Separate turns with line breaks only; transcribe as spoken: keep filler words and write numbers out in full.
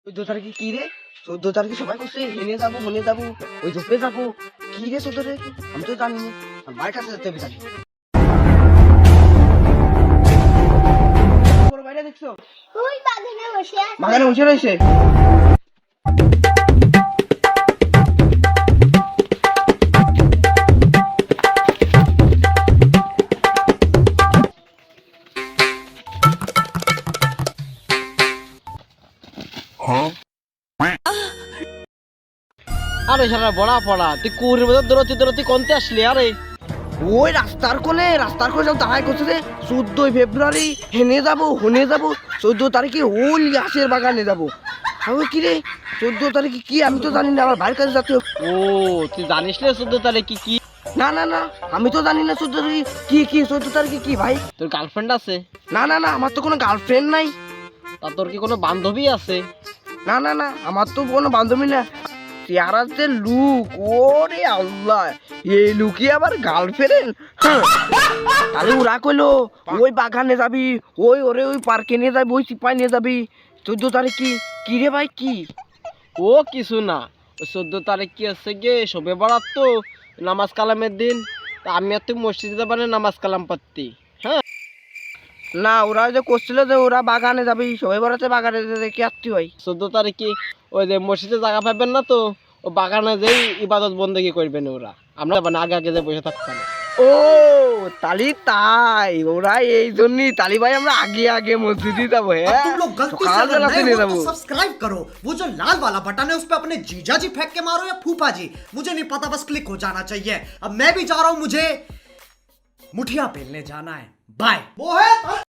চোদ্দ তারিখে কি রে? চোদ্দ তারিখে সবাই করছে হেনে যাবো হনে যাবো ওই ঝোপে যাবো। কি রে চোদ্দ তারিখে? আমি তো জানি না, আমার কাছে যেতে হবে জানি। বড় বাইরে দেখছো?
ওই বাগানে বসে আছে।
বাগানে বসে রয়েছে।
আরে সারা বড়া পড়া তুই কুড়ির মধ্যে দৌড়াচ্ছি দৌড়াচ্ছি কোনতে আসলি আরে
ওই রাস্তার কোলে রাস্তার কোলে সব দাঁড়ায় করছে রে। চোদ্দই ফেব্রুয়ারি হেনে যাবো হনে যাবো, চোদ্দ তারিখে ওল গাছের বাগানে যাবো। আমি কি রে চোদ্দ তারিখে কি? আমি তো জানি না, আমার ভাইয়ের কাছে যেতে হবে।
ও তুই জানিস না চোদ্দ তারিখ কি কি
না না না, আমি তো জানি না চোদ্দ তারিখে কি কি চোদ্দ তারিখে কি ভাই।
তোর গার্লফ্রেন্ড আছে?
না না না, আমার তো কোনো গার্লফ্রেন্ড নাই।
তা তোর কি কোনো বান্ধবী আছে?
না না না, আমার তো কোনো বান্ধবী না। চেহারা যে লুক, ওরে আল্লাহ, এই লুকি আবার গার্লফ্রেন্ড? তাহলে ওরা কইলো ওই বাগানে যাবি, ওই ওরে ওই পার্কে নিয়ে যাবি, ওই চিপায় নিয়ে যাবি। চোদ্দ তারিখ কি কি রে ভাই কি?
ও কিছু না, চোদ্দ তারিখ কি আছে গে শবে বরাত তো, নামাজ কালামের দিন। তা আমি আর তুই মসজিদে যাবা না নামাজ কালাম পাত্তি? হ্যাঁ
না, ওরা যে করছিল যে ওরা বাগানে যাবি, সবাই বলাতে বাগানে যেতে কি আত্মি হয়।
চোদ্দ তারিখ কি ওই যে মসজিদে জায়গা পাবেন না তো, ও বাগানে যেই ইবাদত বন্দেগি করবেন ওরা। আমরা যাবো না, আগে আগে যে বসে থাকতাম।
ও তালি তাই, ওরা এই জন্যই তালি ভাই আমরা আগে আগে মসজিদে যাবো। হ্যাঁ
तुम लोग गलती से अगर नए हो तो सब्सक्राइब करो, वो जो लाल वाला बटन है उस पे अपने जीजा जी फेंक के मारो या फूफा जी, मुझे नहीं पता, बस क्लिक हो जाना चाहिए। अब मैं भी जा रहा हूं, मुझे मुठिया पेलने जाना है। बाय। वो है